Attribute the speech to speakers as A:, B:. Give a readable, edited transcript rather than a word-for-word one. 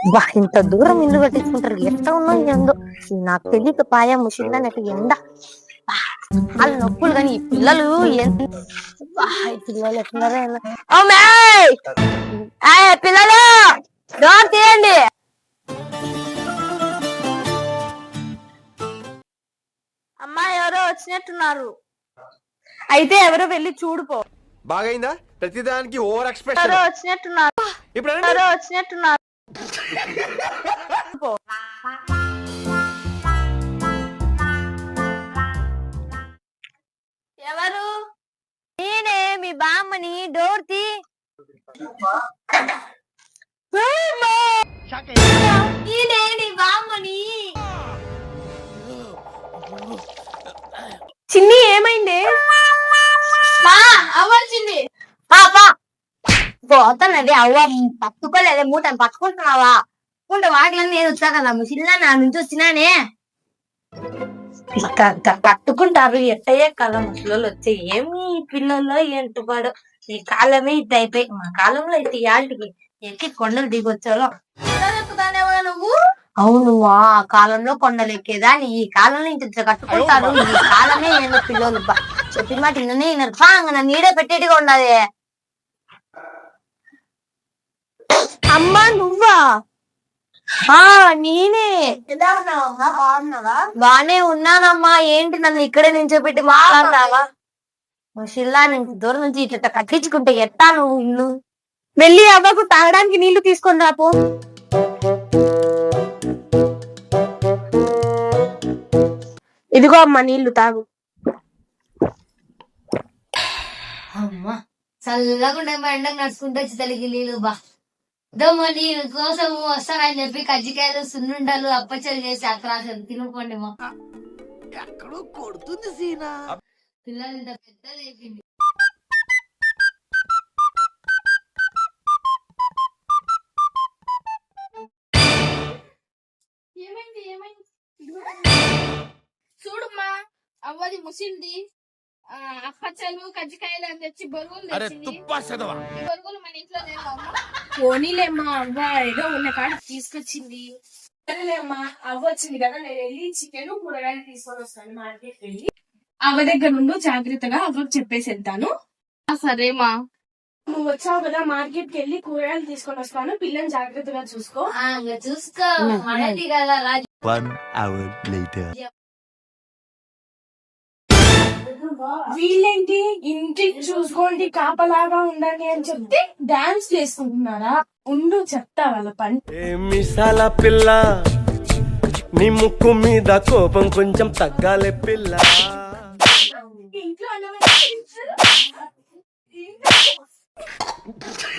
A: బా ఇంత దూరం ఇల్లు కట్టించుకుంటారు ఎట్లా ఉన్నా ఎందో నాకు తెలియక పాయా ముషిందా నాకు ఎండ వాళ్ళ నొప్పులు కానీ ఈ పిల్లలు పిల్లలు ఎట్లున్నారో పిల్లలు డోర్ తీయండి.
B: అమ్మా ఎవరో వచ్చినట్టున్నారు, అయితే ఎవరో వెళ్ళి చూడుపో.
C: బాగైందా? ప్రతిదానికి ఓవర్ ఎక్స్ప్రెషన్.
B: ఎవరో వచ్చినట్టున్నారు,
C: ఇప్పుడు
B: ఎవరో వచ్చినట్టున్నారు. ఎవరు?
A: నేనే మీ బామ్మని. డోర్ తీ.
B: నేనే నీ బామ్మని. చిన్ని ఏమైంది? అవ్వాల్సింది
A: పోతానండి. అవ్వ పట్టుకోలేదే మూటని పట్టుకుంటున్నావా? ఉంటే వాటిలన్నీ నేను వచ్చా కదా ముసిల్లా నా నుంచి వచ్చినానే. కట్టుకుంటారు ఎట్టయ్యే కాలం ముసలు వచ్చే ఏమి పిల్లల్లో ఏంటుపాడు. ఈ కాలమే ఇట్ అయిపోయి మా కాలంలో అయితే యాళ్ళకి ఎక్కి కొండలు దిగొచ్చాలో.
B: నువ్వు
A: అవును ఆ కాలంలో కొండలు ఎక్కేదా ఈ కాలంలో ఇంత కట్టుకుంటారు. ఈ కాలమే ఏందో పిల్లలు చెప్పిన మాట నిన్నే నన్ను నీడే పెట్టేట్టుగా ఉండదు.
B: అమ్మా నువ్వా?
A: నేనే.
B: ఎలా ఉన్నావమ్మా? బాగున్నావా?
A: బానే ఉన్నానమ్మా. ఏంటి నన్ను ఇక్కడే నించోపెట్టి మాట్లాడినావా? షిల్లా నుంచి దూరం నుంచి ఇట్లా కట్టించుకుంటే ఎట్టా నువ్వు ఇల్లు?
B: వెళ్ళి అవ్వకు తాగడానికి నీళ్లు తీసుకొని రాపో. ఇదిగో అమ్మా నీళ్లు తాగు.
A: అమ్మా చల్లకుండా ఎండకు నడుచుకుంటూ వచ్చి తల్లికి నీళ్ళు బా దమ్మ నీళ్ళ కోసం వస్తానని చెప్పి కజ్జికాయలు సున్నుండలు అప్పచ్చలు చేసి అత్రాసలు తినుకోండి మా.
C: ఎక్కడో కొడుతుంది సీనా.
A: పిల్లలు ఇంత పెద్దది అయిపోయింది.
B: ఏమైంది ఏమైంది? చూడమ్మా అవ్వది ముసింది. అప్పచ్చలు కజ్జికాయలు అని తెచ్చి బొరుగులు తెచ్చింది. ఈ బొరుగులు మన ఇంట్లో లేవా? పోనీలేమ్మా అవ్వ ఏదో ఉన్న కాడ తీసుకొచ్చింది. సరేలేమ్మా అవ్వ వచ్చింది కదా, నేను వెళ్ళి చికెన్ కూరగాయలు తీసుకొని వస్తాను మార్కెట్ వెళ్ళి. అవ్వ దగ్గర నుండి జాగ్రత్తగా అవ్వకు చెప్పేసి వెళ్తాను. సరేమా. నువ్వు వచ్చావు కదా మార్కెట్ కి వెళ్ళి కూరగాయలు తీసుకొని వస్తాను, పిల్లని జాగ్రత్తగా చూసుకో.
A: చూసుకో కదా రాజు.
D: 1 hour later.
B: వీళ్ళేంటి ఇంటికి చూసుకోండి కాపలాగా ఉండండి అని చెప్తే డాన్స్ వేసుకుంటున్నారా? ఉండు చెప్తా వాళ్ళ పని.
E: మిసాల పిల్ల నీ ముక్కు మీద కోపం కొంచెం తగ్గాలే పిల్ల.
B: ఇంట్లో